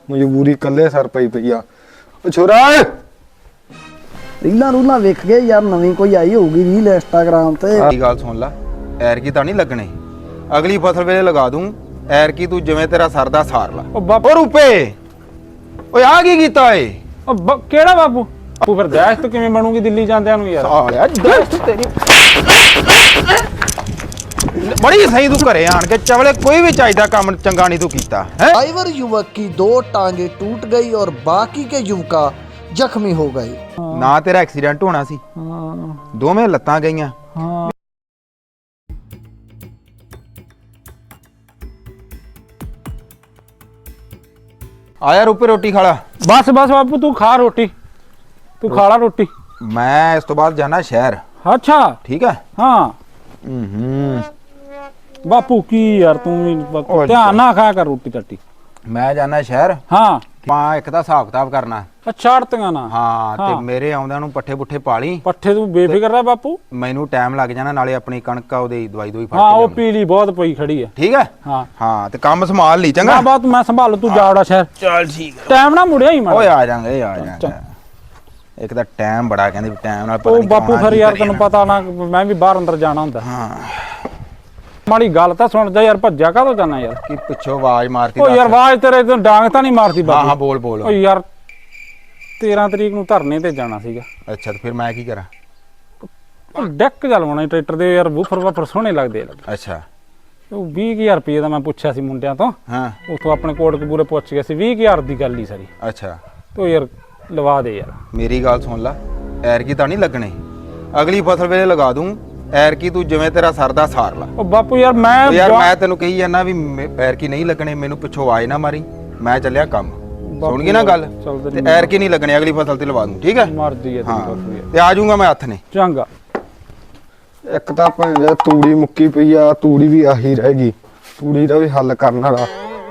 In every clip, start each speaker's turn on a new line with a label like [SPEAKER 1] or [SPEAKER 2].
[SPEAKER 1] ਮਜਬੂਰੀ ਕੱਲੇ ਸਰ ਪਈ ਆ। ਓ ਛੋਰਾ
[SPEAKER 2] ਰੀਲਾਂ ਰੂਲਾਂ ਵੇਖ ਗਏ ਯਾਰ, ਨਵੀਂ ਕੋਈ ਆਈ ਹੋਊਗੀ ਰੀਲ ਇੰਸਟਾਗ੍ਰਾਮ ਤੇ।
[SPEAKER 3] ਇਹ ਗੱਲ ਸੁਣ ਲੈ, ਐਰ ਕੀ ਤਾਂ ਨਹੀਂ ਲੱਗਣੇ, ਅਗਲੀ ਫਸਲ ਵੇਲੇ ਲਗਾ ਦੂੰ। ਐਰ ਕੀ ਤੂੰ ਜਿਵੇਂ ਤੇਰਾ ਸਰਦਾ ਸਾਰ ਲਾ। ਓ ਰੁਪਏ, ਓਏ ਆ ਕੀ ਕੀਤਾ ਏ?
[SPEAKER 4] ਕਿਹੜਾ ਬਾਪੂ? ਬਾਪੂ ਫਿਰ ਦਹਿਸ਼ਤ ਕਿਵੇਂ ਬਣੂਗੀ ਦਿੱਲੀ ਜਾਂਦਿਆਂ ਨੂੰ ਯਾਰ?
[SPEAKER 3] ਸਾਲਿਆ ਦਹਿਸ਼ਤ ਤੇਰੀ बड़ी सही तू घरे आन के चवले कोई भी चाहिए काम चंगा नहीं तू कीता है।
[SPEAKER 2] ड्राइवर युवक की 2 टांगे टूट गई और बाकी के युवका जख्मी हो गए।
[SPEAKER 3] ना तेरा एक्सीडेंट होना सी, दोवें लत्तां गईयां। आया रुपए रोटी खाला।
[SPEAKER 4] बस बस बापू तू खा रोटी, तू खा ला रोटी।
[SPEAKER 3] मैं इस तो बाद जाना शहर।
[SPEAKER 4] अच्छा
[SPEAKER 3] ठीक है।
[SPEAKER 4] हाँ बापू की यार तू ध्यान ना खाया कर रोटी टट्टी।
[SPEAKER 3] मैं जाना शहर।
[SPEAKER 4] हाँ
[SPEAKER 3] एक दा हिसाब किताब करना।
[SPEAKER 4] अच्छा अड़तियां ना।
[SPEAKER 3] हाँ ते मेरे आउंदियां नूं पट्ठे पुट्ठे पाली।
[SPEAKER 4] पट्ठे तू बेफिक्र रह बापू,
[SPEAKER 3] मैनू टाइम लग जाना, नाले अपनी कणक ओदी दवाई दोई फड़
[SPEAKER 4] हाँ
[SPEAKER 3] के
[SPEAKER 4] वो पीली बहुत पई खड़ी है।
[SPEAKER 3] ठीक है।
[SPEAKER 4] हाँ
[SPEAKER 3] हाँ ते काम संभाल ली चंगा।
[SPEAKER 4] हाँ बात मैं संभालू, तू जा उड़ा शहर।
[SPEAKER 3] चल ठीक है।
[SPEAKER 4] टाइम ना मुड़िया ही मैं।
[SPEAKER 3] ओए आ जाएंगे आ जाएंगे। एक दा टाइम बड़ा कहंदे टाइम नाल पता
[SPEAKER 4] ओ
[SPEAKER 3] नहीं
[SPEAKER 4] बापू फिर यार तैनूं पता ना मैं भी बाहर अंदर जाना हुंदा।
[SPEAKER 3] हाँ
[SPEAKER 4] माड़ी गल तां सुन जा यार, भज्जा काहतों जाना यार?
[SPEAKER 3] कि पिछो आवाज मारती।
[SPEAKER 4] ओ यार आवाज तेरे तो डांग तां नहीं मारती बापू?
[SPEAKER 3] हाँ हाँ बोल बोल।
[SPEAKER 4] ओ यार 13 तरीक नूं धरने ते जाना सीगा।
[SPEAKER 3] अच्छा तो फिर मैं की करा?
[SPEAKER 4] ਡੈਕ ਚਲਵਾਉਣਾ ਟਰੈਕਟਰ ਦੇ ਯਾਰ, ਬੂਫਰ ਵਾਫਰ ਸੋਹਣੇ ਲੱਗਦੇ ਆ।
[SPEAKER 3] अच्छा
[SPEAKER 4] ਉਹ 20000 ਰੁਪਏ ਦਾ ਮੈਂ ਪੁੱਛਿਆ ਸੀ ਮੁੰਡਿਆਂ ਤੋਂ।
[SPEAKER 3] हाँ
[SPEAKER 4] ਉਥੋਂ ਆਪਣੇ ਕੋਟਕਪੂਰੇ ਪੁੱਛ ਗਿਆ ਸੀ, 20000 ਦੀ ਗੱਲ ਹੀ ਸਾਰੀ।
[SPEAKER 3] अच्छा
[SPEAKER 4] ਤੋ ਯਾਰ ਲਵਾ ਦੇ ਯਾਰ।
[SPEAKER 3] मेरी गल सुन ला, ऐर की तां नहीं लगने, अगली फसल वेले लगा दूं। ऐर की तू जिवें तेरा सरदा सार ला।
[SPEAKER 4] ਉਹ ਬਾਪੂ ਯਾਰ
[SPEAKER 3] मैं तेनू कही जाना भी ऐर की नहीं लगने, मैनू पिछो आवाज ना मारी, मैं चलिया काम। सुन गई ना गल? ते ऐर की नहीं लगने, अगली फसल ते लवा दूं। ठीक है।
[SPEAKER 4] ਮਰਦੀ ਹੈ
[SPEAKER 3] हाँ
[SPEAKER 4] ਤੇਰੀ ਬਾਪੂ
[SPEAKER 3] ते आ जाऊंगा मैं हथ ने।
[SPEAKER 4] ਚੰਗਾ।
[SPEAKER 1] ਇੱਕ ਤਾਂ ਭਾਵੇਂ ਤੂੜੀ ਮੁੱਕੀ ਪਈ ਆ, ਤੂੜੀ ਵੀ ਆਹੀ ਰਹਿ ਗਈ, ਤੂੜੀ ਦਾ ਵੀ ਹੱਲ ਕਰਨ ਵਾਲਾ।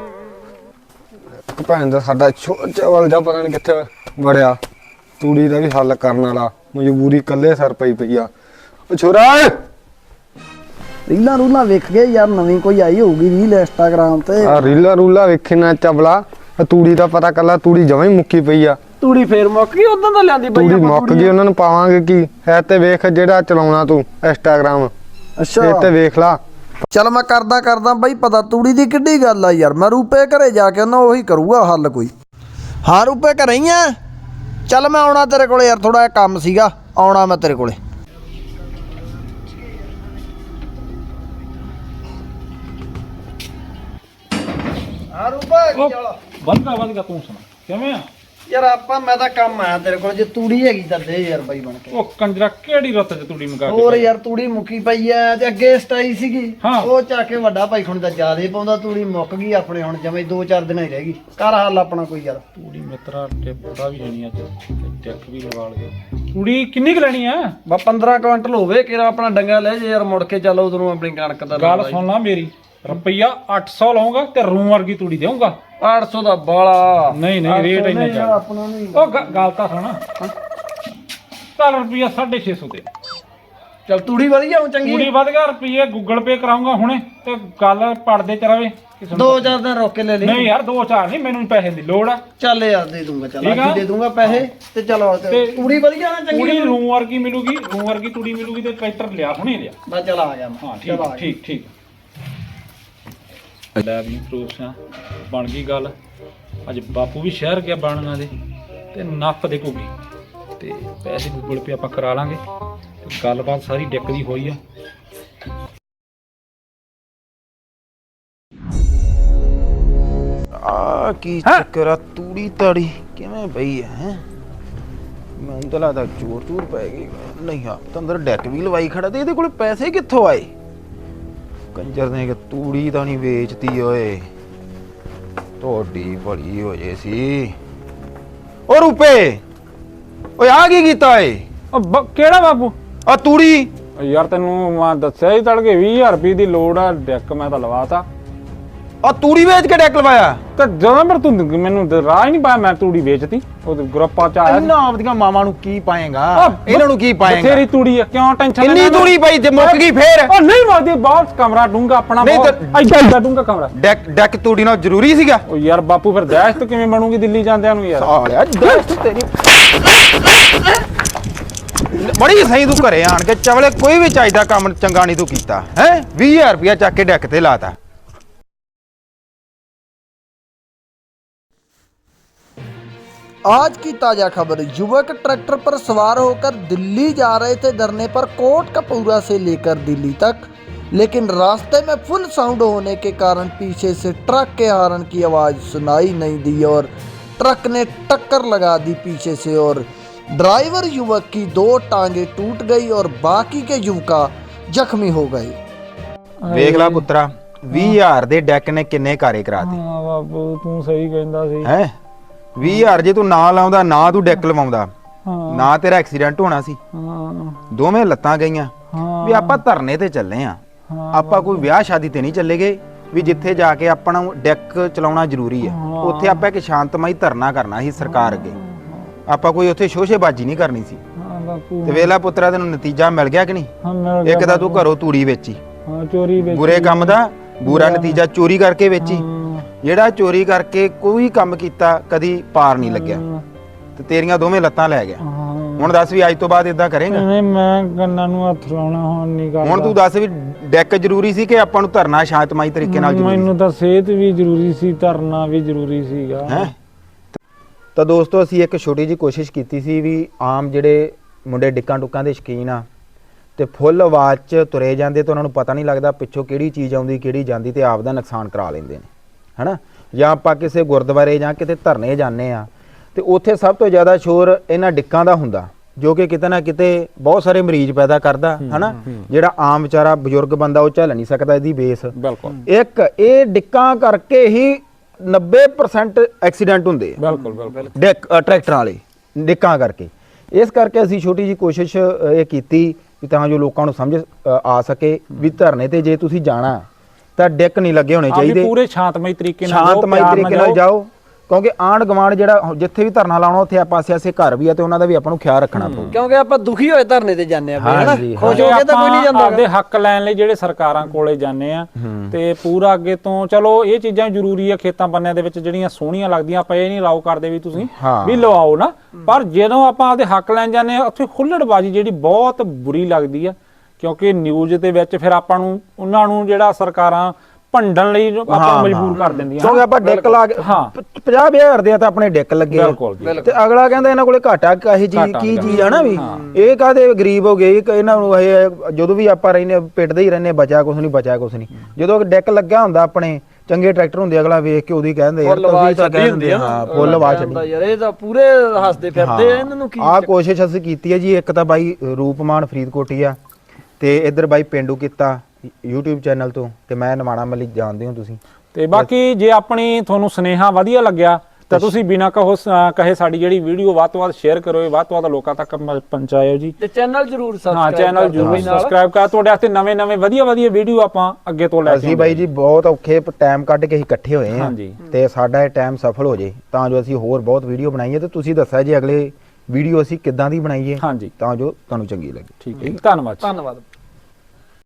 [SPEAKER 1] ਇੱਕ ਭੈਣ ਦਾ ਸਾਡਾ ਚਵਲ ਜਾ ਪਤਾ ਨੀ ਕਿੱਥੇ ਵੜਿਆ, ਤੂੜੀ ਦਾ ਵੀ ਹੱਲ ਕਰਨ ਵਾਲਾ। ਮਜਬੂਰੀ ਕੱਲੇ ਸਰ ਪਈ ਆ। ਓ ਛੋਰਾ
[SPEAKER 2] ਰੀਲਾਂ ਰੂਲਾਂ ਵੇਖ ਗਏ ਯਾਰ, ਨਵੀਂ ਕੋਈ ਆਈ ਹੋਊਗੀ ਰੀਲ ਇੰਸਟਾਗ੍ਰਾਮ ਤੇ।
[SPEAKER 1] ਆ ਰੀਲਾ ਰੂਲਾ ਵੇਖੇ ਨਾ ਚਵਲਾ, ਤੂੜੀ ਦਾ ਪਤਾ ਕੱਲਾ ਤੂੜੀ ਜਮਾਂ ਹੀ ਮੁੱਕੀ ਪਈ ਆ।
[SPEAKER 2] ਤੂੜੀ ਫੇਰ ਮੁੱਕ ਗਈ, ਉਦੋਂ ਤਾਂ ਲਿਆਂਦੀ
[SPEAKER 1] ਤੂੜੀ ਮੁੱਕ ਗਈ, ਉਹਨਾਂ ਨੂੰ ਪਾਵਾਂਗੇ ਕੀ ਹੈ? ਤੇ ਵੇਖ ਜਿਹੜਾ ਚਲਾਉਣਾ ਤੂੰ ਇੰਸਟਾਗ੍ਰਾਮ,
[SPEAKER 2] ਅੱਛਾ
[SPEAKER 1] ਇਹ ਤੇ ਵੇਖ ਲਾ।
[SPEAKER 2] ਚੱਲ ਮੈਂ ਕਰਦਾ ਬਈ ਪਤਾ, ਤੂੜੀ ਦੀ ਕਿੱਡੀ ਗੱਲ ਆ ਯਾਰ। ਮੈਂ ਰੂਪੇ ਘਰੇ ਜਾ ਕੇ ਉਹਨਾਂ ਉਹੀ ਕਰੂਗਾ ਹੱਲ ਕੋਈ। ਹਾਂ ਰੂਪੇ ਘਰੇ ਹੀ ਆ? ਚੱਲ ਮੈਂ ਆਉਣਾ ਤੇਰੇ ਕੋਲੇ ਯਾਰ, ਥੋੜਾ ਜਿਹਾ ਕੰਮ ਸੀਗਾ, ਆਉਣਾ ਮੈਂ ਤੇਰੇ ਕੋਲੇ। ਹਾਂ ਰੂਪੇ
[SPEAKER 4] ਵਧਗਾ ਤੂੰ ਸੁਣਾ ਕਿਵੇਂ ਆ?
[SPEAKER 2] ਯਾਰ ਆਪਾਂ ਮੈਂ ਤਾਂ ਕੰਮ ਆਇਆ ਤੇਰੇ ਕੋਲ, ਜੇ ਤੂੜੀ ਹੈਗੀ ਤਾਂ ਦੇ ਯਾਰ ਬਾਈ ਬਣ ਕੇ।
[SPEAKER 4] ਉਹ ਕੰਜਰਾ ਕਿਹੜੀ ਰੁੱਤ ਚ ਤੂੜੀ ਮੰਗਾ ਕੇ?
[SPEAKER 2] ਹੋਰ ਯਾਰ ਤੂੜੀ ਮੁੱਕੀ ਪਈ ਐ, ਤੇ ਅੱਗੇ ਸਟਾਈ ਸੀਗੀ,
[SPEAKER 4] ਹਾਂ।
[SPEAKER 2] ਉਹ ਚੱਕ ਕੇ ਵੱਡਾ ਭਾਈ ਖੁਣ ਦਾ ਜ਼ਿਆਦੇ ਪਾਉਂਦਾ, ਤੂੜੀ ਮੁੱਕ ਗਈ ਆਪਣੇ ਹੁਣ ਜਮੇ 2-4 ਦਿਨਾਂ ਹੀ ਰਹਿ ਗਈ। ਕਰ ਹੱਲ ਆਪਣਾ ਕੋਈ ਯਾਰ।
[SPEAKER 4] ਤੂੜੀ ਮਿੱਤਰਾ ਟਿੱਪਦਾ ਵੀ ਨਹੀਂ ਅੱਜ, ਟਿੱਕ ਵੀ ਲਵਾ ਲਗੇ। ਤੂੜੀ ਕਿੰਨੀ ਕੁ ਲੈਣੀ ਆ?
[SPEAKER 2] ਬਾ 15 ਕੁਇੰਟਲ ਹੋਵੇ ਕਿਰਾ, ਆਪਣਾ ਡੰਗਾ ਲੈ ਜੇ ਯਾਰ, ਮੁੜ ਕੇ ਚੱਲ ਉਧਰੋਂ ਆਪਣੀ ਕਣਕ ਦਾ।
[SPEAKER 4] ਗੱਲ ਸੁਣ ਲਾ ਮੇਰੀ, ਰੁਪਈਆ 800 ਲਾਉਂਗਾ ਤੇ ਰੂਮ ਵਰਗੀ ਤੂੜੀ ਦੇਊਂਗਾ।
[SPEAKER 2] 800 ਦਾ ਬਾਲਾ
[SPEAKER 4] ਨਹੀਂ ਰੇਟ ਇੰਨਾ ਚੱਲ।
[SPEAKER 2] ਆਪਣਾ ਨਹੀਂ।
[SPEAKER 4] ਉਹ ਗੱਲ ਤਾਂ ਸੁਣ, ਚੱਲ ਰੁਪਈਆ 650 ਦੇ।
[SPEAKER 2] ਚੱਲ ਤੂੜੀ ਵਧੀਆ ਹੋ ਚੰਗੀ।
[SPEAKER 4] ਤੂੜੀ ਵਧ ਗਿਆ, ਰੁਪਈਏ ਗੂਗਲ ਪੇ ਕਰਾਉਂਗਾ ਹੁਣੇ, ਤੇ ਗੱਲ ਪੜਦੇ ਚ ਰਵੇ।
[SPEAKER 2] 2-4 ਦਿਨ ਰੋਕ ਕੇ ਲੈ ਲਈ।
[SPEAKER 4] ਨਹੀਂ ਯਾਰ 2-4 ਨਹੀਂ, ਮੈਨੂੰ ਪੈਸੇ ਦੀ ਲੋੜ ਆ।
[SPEAKER 2] ਚੱਲ ਯਾਰ ਦੇ ਦੂੰਗਾ, ਚੱਲ
[SPEAKER 4] ਠੀਕ ਆ।
[SPEAKER 2] ਅੱਜ ਦੇ ਦੂੰਗਾ ਪੈਸੇ ਤੇ ਚਲੋ ਤੂੜੀ ਵਧੀਆ ਨਾ ਚੰਗੀ।
[SPEAKER 4] ਤੂੜੀ ਰੂਮ ਵਰਗੀ ਮਿਲੂਗੀ, ਰੂਮ ਵਰਗੀ ਤੂੜੀ ਮਿਲੂਗੀ, ਤੇ ਟਰੈਕਟਰ ਲਿਆ ਹੁਣੇ ਲਿਆ।
[SPEAKER 2] ਬਸ ਚੱਲ ਆ ਗਿਆ ਮੈਂ।
[SPEAKER 4] ਹਾਂ
[SPEAKER 2] ਚੱਲ ਆ ਗਿਆ।
[SPEAKER 4] ਠੀਕ ਲੈ ਵੀ ਪ੍ਰੂਫਾਂ ਬਣ ਗਈ ਗੱਲ। ਅੱਜ ਬਾਪੂ ਵੀ ਸ਼ਹਿਰ ਗਿਆ ਬਣਨਾ ਦੇ, ਤੇ ਨੱਪ ਦੇ ਘੁੱਗੀ, ਤੇ ਪੈਸੇ ਗੂਗਲ ਪੇ ਆਪਾਂ ਕਰਾ ਲਾਂਗੇ। ਤੇ ਗੱਲਬਾਤ ਸਾਰੀ ਡਿੱਕ ਦੀ ਹੋਈ ਆ।
[SPEAKER 3] ਆ ਕੀ ਚੱਕਰ ਆ? ਤੂੜੀ ਤਾੜੀ ਕਿਵੇਂ ਪਈ ਹੈ? ਮੈਨੂੰ ਤਾਂ ਲੱਗਦਾ ਚੋਰ ਪੈ ਗਈ। ਨਹੀਂ ਆ ਤਾਂ ਅੰਦਰ ਡੈਕ ਵੀ ਲਵਾਈ ਖੜਾ, ਤੇ ਇਹਦੇ ਕੋਲ ਪੈਸੇ ਕਿੱਥੋਂ ਆਏ? ਕੰਜਰ ਨੇ ਕਿ ਤੂੜੀ ਤਾਂ ਨਹੀਂ ਵੇਚਤੀ ਓਏ, ਤੁਹਾਡੀ ਭਲੀ ਹੋ ਜੇ ਸੀ। ਓ ਰੁਪਏ, ਓਏ ਆ ਕੀ ਕੀਤਾ ਏ?
[SPEAKER 4] ਕਿਹੜਾ ਬਾਪੂ?
[SPEAKER 3] ਆ ਤੂੜੀ।
[SPEAKER 4] ਯਾਰ ਤੈਨੂੰ ਮੈਂ ਦੱਸਿਆ ਹੀ ਤੜਕੇ 20000 ਰੁਪਏ ਦੀ ਲੋੜ ਆ, ਡੈਕ ਮੈਂ ਤਾਂ ਲਵਾਤਾ।
[SPEAKER 3] ਆ ਤੂੜੀ ਵੇਚ ਕੇ ਡੈਕ ਲਵਾਇਆ
[SPEAKER 4] ਤੇ ਜਦੋਂ ਪਰ ਤੂੰ ਮੈਨੂੰ ਤਾਂ ਰਾਹ ਹੀ ਨਹੀਂ ਪਾਇਆ, ਮੈਂ ਤੂੜੀ ਵੇਚਤੀ ਉਹ ਗਰੁੱਪਾਂ ਚ ਆਇਆ ਸੀ।
[SPEAKER 3] ਇਹਨਾਂ ਆਪਦੀਆਂ ਮਾਵਾਂ ਨੂੰ ਕੀ ਪਾਏਗਾ ਇਹਨਾਂ ਨੂੰ ਕੀ ਪਾਏਗਾ
[SPEAKER 4] ਬਥੇਰੀ ਤੂੜੀ ਆ, ਕਿਉਂ ਟੈਨਸ਼ਨ
[SPEAKER 3] ਇੰਨੀ ਤੂੜੀ ਪਈ ਜੇ ਮੁੱਕ ਗਈ ਫੇਰ
[SPEAKER 4] ਉਹ ਨਹੀਂ ਮੋਦੀ, ਬਹੁਤ ਕਮਰਾ ਡੂੰਗਾ ਆਪਣਾ,
[SPEAKER 3] ਨਹੀਂ
[SPEAKER 4] ਬਹੁਤ ਐਡਾ ਡੂੰਗਾ ਕਮਰਾ।
[SPEAKER 3] ਡੈਕ ਤੂੜੀ ਨਾਲ ਜ਼ਰੂਰੀ ਸੀਗਾ
[SPEAKER 4] ਉਹ ਯਾਰ ਬਾਪੂ ਫਿਰ ਦਹਿਸ਼ਤ ਕਿਵੇਂ ਬਣੂਗੀ ਦਿੱਲੀ ਜਾਂਦਿਆਂ ਨੂੰ ਯਾਰ।
[SPEAKER 3] ਸਾਲਿਆ ਦਸਤ ਤੇਰੀ ਬੜੀ ਸਹੀ ਤੂੰ ਘਰੇ ਆਣ ਕੇ ਚਵਲੇ ਕੋਈ ਵੀ ਚਾਹੀਦਾ ਕੰਮ ਚੰਗਾ ਨਹੀਂ ਤੂੰ ਕੀਤਾ ਹੈ 20000 ਰੁਪਇਆ ਚੱਕ ਕੇ ਡੈਕ ਤੇ ਲਾਤਾ।
[SPEAKER 2] आज की ताजा खबर, युवक ट्रैक्टर पर सवार होकर दिल्ली जा रहे थे धरने पर कोटकपूरा से लेकर दिल्ली तक, लेकिन रास्ते में फुल साउंड होने के कारण पीछे से ट्रक के हॉर्न की आवाज़ सुनाई नहीं दी और ट्रक ने टक्कर लगा दी पीछे से और ड्राइवर युवक की 2 टांगें टूट गई और बाकी के युवका जख्मी हो गए।
[SPEAKER 3] ਵੇਖ ਲੈ ਪੁੱਤਰਾ 20000 ਦੇ ਡੈਕ ਨੇ ਕਿੰਨੇ ਕਾਰੇ ਕਰਾਤੇ
[SPEAKER 4] ਹਾਂ ਬਾਪੂ ਤੂੰ ਸਹੀ ਕਹਿੰਦਾ ਸੀ।
[SPEAKER 3] ਹੈ 20000 ਜੇ ਤੂੰ ਨਾ ਲਾਉਂਦਾ ਨਾ ਤੂੰ ਡੈਕ ਲਵਾਉਂਦਾ
[SPEAKER 4] ਹਾਂ
[SPEAKER 3] ਨਾ ਤੇਰਾ ਐਕਸੀਡੈਂਟ ਹੋਣਾ ਸੀ।
[SPEAKER 4] ਹਾਂ
[SPEAKER 3] ਦੋਵੇਂ ਲੱਤਾਂ ਗਈਆਂ
[SPEAKER 4] ਹਾਂ
[SPEAKER 3] ਵੀ ਆਪਾਂ ਧਰਨੇ ਤੇ ਚੱਲੇ ਆ ਆਪਾਂ ਕੋਈ ਵਿਆਹ ਸ਼ਾਦੀ ਤੇ ਨਹੀਂ ਚੱਲੇ ਗਏ ਵੀ ਜਿੱਥੇ ਜਾ ਕੇ ਆਪਾਂ ਨੂੰ ਡੈਕ ਚਲਾਉਣਾ ਜ਼ਰੂਰੀ ਹੈ। ਉੱਥੇ ਆਪਾਂ ਇੱਕ ਸ਼ਾਂਤਮਈ ਧਰਨਾ ਕਰਨਾ ਸੀ ਸਰਕਾਰ ਅੱਗੇ, ਆਪਾਂ ਕੋਈ ਉੱਥੇ ਸ਼ੋਸ਼ੇਬਾਜ਼ੀ ਨਹੀਂ ਕਰਨੀ ਸੀ।
[SPEAKER 4] ਹਾਂ ਬਾਪੂ
[SPEAKER 3] ਤੇ ਵੇਲਾ ਪੁੱਤਰਾ ਤੈਨੂੰ ਨਤੀਜਾ ਮਿਲ ਗਿਆ ਕਿ ਨਹੀਂ?
[SPEAKER 4] ਹਾਂ ਮਿਲ ਗਿਆ
[SPEAKER 3] ਇੱਕ ਤਾਂ ਤੂੰ ਘਰੋਂ ਤੂੜੀ ਵੇਚੀ,
[SPEAKER 4] ਹਾਂ ਚੋਰੀ ਵਿੱਚ
[SPEAKER 3] ਬੁਰੇ ਕੰਮ ਦਾ ਬੁਰਾ ਨਤੀਜਾ ਚੋਰੀ ਕਰਕੇ ਵੇਚੀ। ਜਿਹੜਾ ਚੋਰੀ ਕਰਕੇ ਕੋਈ ਕੰਮ ਕੀਤਾ ਕਦੀ ਪਾਰ ਨਹੀਂ ਲੱਗਿਆ ਤੇ ਤੇਰੀਆਂ ਦੋਵੇਂ ਲੱਤਾਂ ਲੈ ਗਿਆ। ਹੁਣ ਦੱਸ ਵੀ ਅੱਜ ਤੋਂ ਬਾਅਦ ਇਦਾਂ ਕਰੇਂਗਾ?
[SPEAKER 4] ਨਹੀਂ ਮੈਂ ਕੰਨਾਂ ਨੂੰ ਹੱਥ ਲਾਉਣਾ ਹੁਣ ਨਹੀਂ ਕਰਦਾ।
[SPEAKER 3] ਹੁਣ ਤੂੰ ਦੱਸ ਵੀ ਡੈਕ ਜ਼ਰੂਰੀ ਸੀ ਕਿ ਆਪਾਂ ਨੂੰ ਧਰਨਾ ਸ਼ਾਂਤਮਈ ਤਰੀਕੇ ਨਾਲ ਜ਼ਰੂਰੀ
[SPEAKER 4] ਮੈਨੂੰ ਤਾਂ ਸਿਹਤ ਵੀ ਜ਼ਰੂਰੀ ਸੀ, ਧਰਨਾ ਵੀ ਜ਼ਰੂਰੀ ਸੀਗਾ।
[SPEAKER 3] ਹੈ? ਤਾਂ ਦੋਸਤੋ ਅਸੀਂ ਇੱਕ ਛੋਟੀ ਜਿਹੀ ਕੋਸ਼ਿਸ਼ ਕੀਤੀ ਸੀ ਵੀ ਆਮ ਜਿਹੜੇ ਮੁੰਡੇ ਡਿੱਕਾਂ ਟੁੱਕਾਂ ਦੇ ਸ਼ੌਕੀਨ ਆ ਤੇ ਫੁੱਲ ਆਵਾਜ਼ 'ਚ ਤੁਰੇ ਜਾਂਦੇ ਤੇ ਉਹਨਾਂ ਨੂੰ ਪਤਾ ਨਹੀਂ ਲੱਗਦਾ ਪਿੱਛੋਂ ਕਿਹੜੀ ਚੀਜ਼ ਆਉਂਦੀ ਕਿਹੜੀ ਜਾਂਦੀ ਤੇ ਆਪ ਦਾ ਨੁਕਸਾਨ ਕਰਾ ਲੈਂਦੇ ਨੇ, ਹਨਾ। ਜਾਂ ਆਪਾਂ ਕਿਸੇ ਗੁਰਦੁਆਰੇ ਜਾਂ ਕਿਤੇ ਧਰਨੇ ਜਾਂਦੇ ਆ ਤੇ ਉੱਥੇ ਸਭ ਤੋਂ ਜ਼ਿਆਦਾ ਸ਼ੋਰ ਇਹਨਾਂ ਡਿੱਕਾਂ ਦਾ ਹੁੰਦਾ ਜੋ ਕਿ ਕਿਤੇ ਨਾ ਕਿਤੇ ਬਹੁਤ ਸਾਰੇ ਮਰੀਜ਼ ਪੈਦਾ ਕਰਦਾ, ਹਨਾ। ਜਿਹੜਾ ਆਮ ਵਿਚਾਰਾ ਬਜ਼ੁਰਗ ਬੰਦਾ ਉਹ ਝੱਲ ਨਹੀਂ ਸਕਦਾ ਇਹਦੀ ਬੇਸ।
[SPEAKER 4] ਬਿਲਕੁਲ
[SPEAKER 3] ਇੱਕ ਇਹ ਡਿੱਕਾਂ ਕਰਕੇ ਹੀ 90% ਐਕਸੀਡੈਂਟ ਹੁੰਦੇ ਆ।
[SPEAKER 4] ਬਿਲਕੁਲ ਬਿਲਕੁਲ
[SPEAKER 3] ਟਰੈਕਟਰਾਂ ਵਾਲੇ ਡਿੱਕਾਂ ਕਰਕੇ। ਇਸ ਕਰਕੇ ਅਸੀਂ ਛੋਟੀ ਜੀ ਕੋਸ਼ਿਸ਼ ਇਹ ਕੀਤੀ ਵੀ ਤਾਂ ਜੋ ਲੋਕਾਂ ਨੂੰ ਸਮਝ ਆ ਸਕੇ ਵੀ ਧਰਨੇ ਤੇ ਜੇ ਤੁਸੀਂ ਜਾਣਾ ਤਾਂ ਡਿੱਕ ਨਹੀਂ ਲੱਗੇ ਹੋਣੇ ਚਾਹੀਦੇ,
[SPEAKER 4] ਪੂਰੇ ਸ਼ਾਂਤਮਈ ਤਰੀਕੇ ਨਾਲ
[SPEAKER 3] ਸ਼ਾਂਤਮਈ ਤਰੀਕੇ ਨਾਲ ਜਾਓ। ਕਿਉਂਕਿ ਆਂਢ ਗਵਾਂਢ ਜਿਹੜਾ ਜਿੱਥੇ ਵੀ ਧਰਨਾ ਲਾਉਣਾ ਉੱਥੇ ਆਪਾਂ ਆਸੇ ਘਰ ਵੀ ਆ ਤੇ ਉਹਨਾਂ ਦਾ ਵੀ ਆਪਾਂ ਨੂੰ ਖਿਆਲ ਰੱਖਣਾ ਪਊ।
[SPEAKER 2] ਕਿਉਂਕਿ ਆਪਾਂ ਦੁਖੀ ਹੋਏ ਧਰਨੇ ਤੇ ਜਾਂਦੇ ਆ ਬਈ, ਹਨਾ।
[SPEAKER 3] ਹਾਂਜੀ,
[SPEAKER 2] ਖੁਸ਼ ਹੋ ਕੇ ਤਾਂ ਕੋਈ ਨਹੀਂ ਜਾਂਦਾ।
[SPEAKER 4] ਆਪਦੇ ਹੱਕ ਲੈਣ ਲਈ ਜਿਹੜੇ ਸਰਕਾਰਾਂ ਕੋਲੇ ਜਾਂਦੇ ਆ ਤੇ ਪੂਰਾ ਅੱਗੇ ਤੋਂ ਚਲੋ ਇਹ ਚੀਜ਼ਾਂ ਜ਼ਰੂਰੀ ਆ ਖੇਤਾਂ ਬੰਨਿਆਂ ਦੇ ਵਿੱਚ ਜਿਹੜੀਆਂ ਸੋਹਣੀਆਂ ਲੱਗਦੀਆਂ, ਆਪਾਂ ਇਹ ਨਹੀਂ ਅਲਾਉ ਕਰਦੇ ਵੀ ਤੁਸੀਂ ਵੀ ਲਵਾਓ ਨਾ, ਪਰ ਜਦੋਂ ਆਪਾਂ ਆਪਦੇ ਹੱਕ ਲੈਣ ਜਾਂਦੇ ਆ ਉੱਥੇ ਖੁੱਲੜਬਾਜ਼ੀ ਜਿਹੜੀ ਬਹੁਤ ਬੁਰੀ ਲੱਗਦੀ ਆ। ਕਿਉਂਕਿ ਨਿਊਜ਼ ਦੇ ਵਿੱਚ ਫਿਰ ਆਪਾਂ ਨੂੰ ਉਹਨਾਂ ਨੂੰ ਜਿਹੜਾ ਸਰਕਾਰਾਂ ਭੰਡਣ ਲਈ ਆਪਾਂ ਮਜਬੂਰ ਕਰ ਦਿੰਦੀਆਂ।
[SPEAKER 3] ਕਿਉਂਕਿ ਆਪਾਂ ਡਿੱਕ ਲਾ ਕੇ 50,000 ਦੇ ਤਾਂ ਆਪਣੇ ਡਿੱਕ ਲੱਗੇ ਤੇ ਅਗਲਾ ਕਹਿੰਦਾ ਇਹਨਾਂ ਕੋਲੇ ਘਾਟਾ ਕਾਹੀ ਚੀਜ਼ ਕੀ ਚੀਜ਼ ਆ ਨਾ ਵੀ ਇਹ ਕਾਹਦੇ ਗਰੀਬ ਹੋ ਗਏ ਇਹਨਾਂ ਨੂੰ ਇਹ ਜਦੋਂ ਵੀ ਆਪਾਂ ਰਹਿੰਦੇ ਪਿੱਟਦੇ ਹੀ ਰਹਿੰਦੇ ਬਚਾ ਕੁਛ ਨਹੀਂ ਬਚਾ ਕੁਛ ਨਹੀਂ। ਜਦੋਂ ਡਿੱਕ ਲੱਗਿਆ ਹੁੰਦਾ ਆਪਣੇ ਚੰਗੇ ਟਰੈਕਟਰ ਹੁੰਦੇ ਅਗਲਾ ਵੇਖ ਕੇ ਉਹਦੀ ਕਹਿੰਦੇ ਯਾਰ ਤੁਸੀਂ ਤਾਂ ਕਹਿੰਦੇ ਹਾਂ ਫੁੱਲ ਆਵਾਜ਼ ਛੱਡੀ
[SPEAKER 2] ਯਾਰ ਇਹ ਤਾਂ ਪੂਰੇ ਹੱਸਦੇ ਫਿਰਦੇ ਆ, ਇਹਨਾਂ ਨੂੰ ਕੀ
[SPEAKER 3] ਆਹ ਕੋਸ਼ਿਸ਼ ਅਸੀਂ ਕੀਤੀ ਹੈ ਜੀ। ਇੱਕ ਤਾਂ ਬਾਈ ਰੂਪਮਾਨ ਫਰੀਦਕੋਟੀ ਆ ਤੇ ਇੱਧਰ ਬਾਈ ਪਿੰਡੂ ਕੀਤਾ YouTube ਚੈਨਲ ਤੋਂ ਤੇ ਮੈਂ ਨਵਾਣਾ ਮਲਿਕ ਜਾਣਦੇ ਹੋ ਤੁਸੀਂ।
[SPEAKER 4] ਤੇ ਬਾਕੀ ਜੇ ਆਪਣੀ ਤੁਹਾਨੂੰ ਸੁਨੇਹਾ ਵਧੀਆ ਲੱਗਿਆ ਤਾਂ ਤੁਸੀਂ ਬਿਨਾਂ ਕਹੇ ਸਾਡੀ ਜਿਹੜੀ ਵੀਡੀਓ ਵੱਧ ਤੋਂ ਵੱਧ ਸ਼ੇਅਰ ਕਰੋ, ਵੱਧ ਤੋਂ ਵੱਧ ਲੋਕਾਂ ਤੱਕ ਪਹੁੰਚਾਇਓ ਜੀ।
[SPEAKER 2] ਤੇ ਚੈਨਲ ਜ਼ਰੂਰ ਸਬਸਕ੍ਰਾਈਬ
[SPEAKER 4] ਹਾਂ ਚੈਨਲ ਜ਼ਰੂਰ ਸਬਸਕ੍ਰਾਈਬ ਕਰ, ਤੁਹਾਡੇ ਵਾਸਤੇ ਨਵੇਂ ਵਧੀਆ ਵੀਡੀਓ ਆਪਾਂ ਅੱਗੇ ਤੋਂ ਲੈ ਕੇ
[SPEAKER 3] ਅਸੀਂ ਬਾਈ ਜੀ ਬਹੁਤ ਔਖੇ ਟਾਈਮ ਕੱਢ ਕੇ ਅਸੀਂ ਇਕੱਠੇ ਹੋਏ ਹਾਂ
[SPEAKER 4] ਹਾਂਜੀ।
[SPEAKER 3] ਤੇ ਸਾਡਾ ਇਹ ਟਾਈਮ ਸਫਲ ਹੋ ਜੇ ਤਾਂ ਜੋ ਅਸੀਂ ਹੋਰ ਬਹੁਤ ਵੀਡੀਓ ਬਣਾਈਏ ਤੇ ਤੁਸੀਂ ਦੱਸਿਆ ਜੀ ਅਗਲੇ ਵੀਡੀਓ ਅਸੀਂ ਕਿੱਦਾਂ ਦੀ ਬਣਾਈਏ
[SPEAKER 4] ਹਾਂਜੀ
[SPEAKER 3] ਤਾਂ ਜੋ ਤੁਹਾਨੂੰ ਚੰਗੀ ਲੱਗੇ।
[SPEAKER 4] ਠੀਕ ਹੈ, ਧੰਨਵਾਦ।
[SPEAKER 2] ਧੰਨਵਾਦ।